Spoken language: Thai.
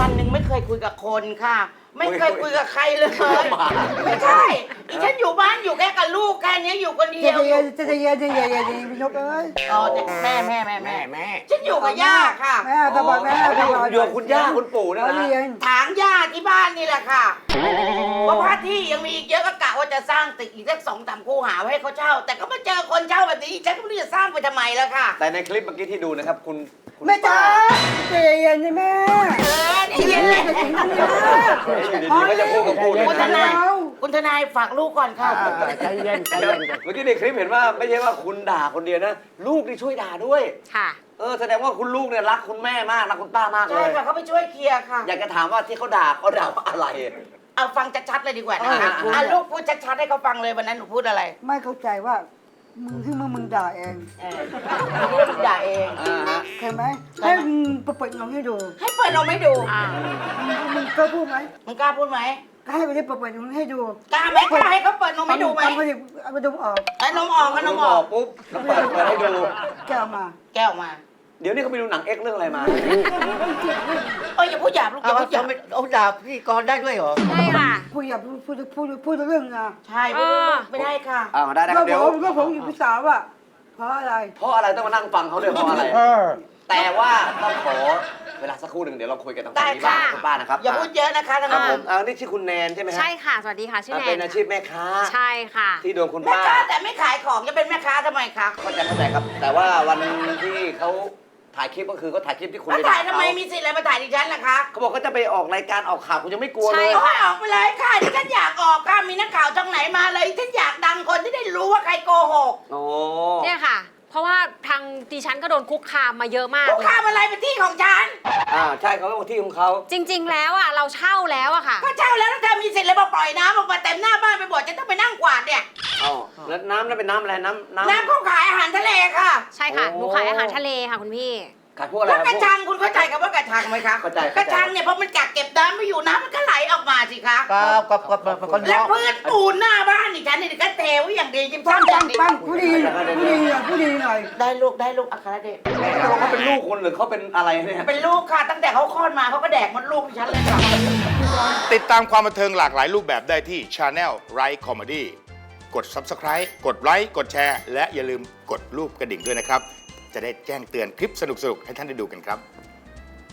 วันหนึ่งไม่เคยคุยกับคนค่ะ ไม่เคยคุยกับใครเลยไม่ใช่ อีฉันอยู่บ้านอยู่แค่กับลูกแค่นี้อยู่คนเดียวจะเย็นพี่นกเอ้ยอ๋อแม่ฉันอยู่กับย่าค่ะแม่ตาบอดแม่ตาบอดอยู่กับคุณย่าคุณปู่นะเขานะเรียนถางย่าที่บ้านนี่แหละค่ะเพราะพระที่ยังมีอีกเยอะก็กะว่าจะสร้างตึกอีกสัก2-3 คูหาไว้ให้เขาเช่า แต่ก็มาเจอคนเช่าแบบนี้ฉันก็ไม่รู้จะสร้างไปทำไมแล้วค่ะแต่ในคลิปเมื่อกี้ที่ดูนะครับคุณแม่จ๋าใจเย็นๆแม่นี่เย็นเลยดีๆก็จะพูดกับปู่คุณทนายคุณทนายฝากลูกก่อนค่ะใจเย็นเมื่อกี้ในคลิปเห็นว่าไม่ใช่ว่าคุณด่าคนเดียวนะ ลูกนี่ช่วยด่าด้วยค่ะแสดงว่าคุณลูกเนี่ยรักคุณแม่มากรักคุณป้ามากเลใช่ยค่ะเขาไปช่วยเคลียร์ค่ะอยากจะถามว่าที่เขาด่าว่าอะไรเอาฟังชัดๆเลยดีกว่านะคะลูกพูดชัดๆให้เขาฟังเลยวันนั้นหนูพูดอะไรไม่เข้าใจว่ามึงที่มึงด่าเองเรื่องด่าเองใช่ไหมให้มึงเปิดน้องให้ดูให้เปิดเราไม่ดูมึงกล้าพูดไหมมึงกล้าพูดไหมก็ให้ไปได้เปิดน้องให้ดูกล้าไหมกล้าให้เขาเปิดนมให้ดูไหมเอาไปดูออกไอ้นมออกก็นมออกปุ๊บแล้วเปิดให้ดูแก้วมาแก้วมาเดี๋ยวนี้เขาไปดูหนังเอ็กเรื่องอะไรมาอย่าพูดหยาบลูกอย่าพูดหยาบเอาด่าพี่กรณ์ได้ด้วยเหรอใช่ค่ะพูดอย่าพูดเรื่องนะใช่ไม่ได้ค่ะได้นะคก็รับเดี๋ยวผมอยู่ภาษาว่าเพราะอะไรเพราะอะไรต้องมานั่งฟังเขาด้วยเพราะอะไร แต่ว่าต้องขอเวลาสักครู่หนึ่งเดี๋ยวเราคุยกันตรงนี้บ้างคุณป้านะครับอย่าพูดเยอะนะคะท่านครับผผู้มนี่ชื่อคุณแนนใช่ไหมฮะใช่ค่ะ สวัสดีค่ะ ชื่อแนนเป็นอาชีพแม่ค้าใช่ค่ะที่โดนคุณแม่ป้าค้าแต่ไม่ขายของจะเป็นแม่ค้าทำไมคะเข้าใจครับ แต่ว่าวันที่เขาถ่ายคลิปก็คือเขาถ่ายคลิปที่คุณแล้วไปถ่ายด่ทำไมมีสิทธิ์อะไรมาถ่ายดิฉันล่ะคะเขาบอกเขาจะไปออกรายการออกข่าวคุณยังไม่กลัวเลยใช่เอาให้ออกไปเลยค่ะดิฉันอยากออกค่ะมีนักข่าวช่องไหนมาเลยฉันอยากดังคนที่ได้รู้ว่าใครโกหกโอ้เนี่ยค่ะ เพราะว่าทางดิฉันก็โดนคุกคามมาเยอะมากคุกเลยคามอะไรเป็นที่ของฉันใช่เขาเป็นที่ของเขาจริง ๆ แล้วอ่ะเราเช่าแล้วอะค่ะก็เช่าแล้วแล้วเธอมีสิทธิ์อะไรมาปล่อยน้ำออกมาเต็มหน้าบ้านไปหมดจะต้องไปนั่งกวาดเนี่ยแล้วน้ำนั่นเป็นน้ำอะไรน้ำน้ำเขาขายอาหารทะเลค่ะใช่ค่ะ หนูขายอาหารทะเลค่ะคุณพี่ขายพวกอะไรแล้วกระชังคุณเข้าใจคำว่ากระชังไหมคะเข้าใจกระชังเนี่ยพอมันกักเก็บน้ำไม่อยู่น้ำมันก็ไหลออกมาสิคะก็แล้วพื้นปูนหน้าบ้านอีกชั้นนี่ก็เทไว้อย่างดีจิ้มปังซ้ำอปัย่าง งดีปังผู้ดีหน่อยได้ลูกอัครเดชเขาเป็นลูกคนหรือเขาเป็นอะไรเนี่ยเป็นลูกค่ะ ตั้งแต่เขาคลอดมาเขาก็แดกมดลูกดิฉันเลยค่ะติดตามความบันเทิงหลากหลายรูปแบบได้ที่ Channel Right Comedy กด Subscribe กดไลค์กดแชร์และอย่าลืมกดรูปกระดิ่งด้วยนะครับ จะได้แจ้งเตือนคลิปสนุกๆ ให้ท่านได้ดูกันครับ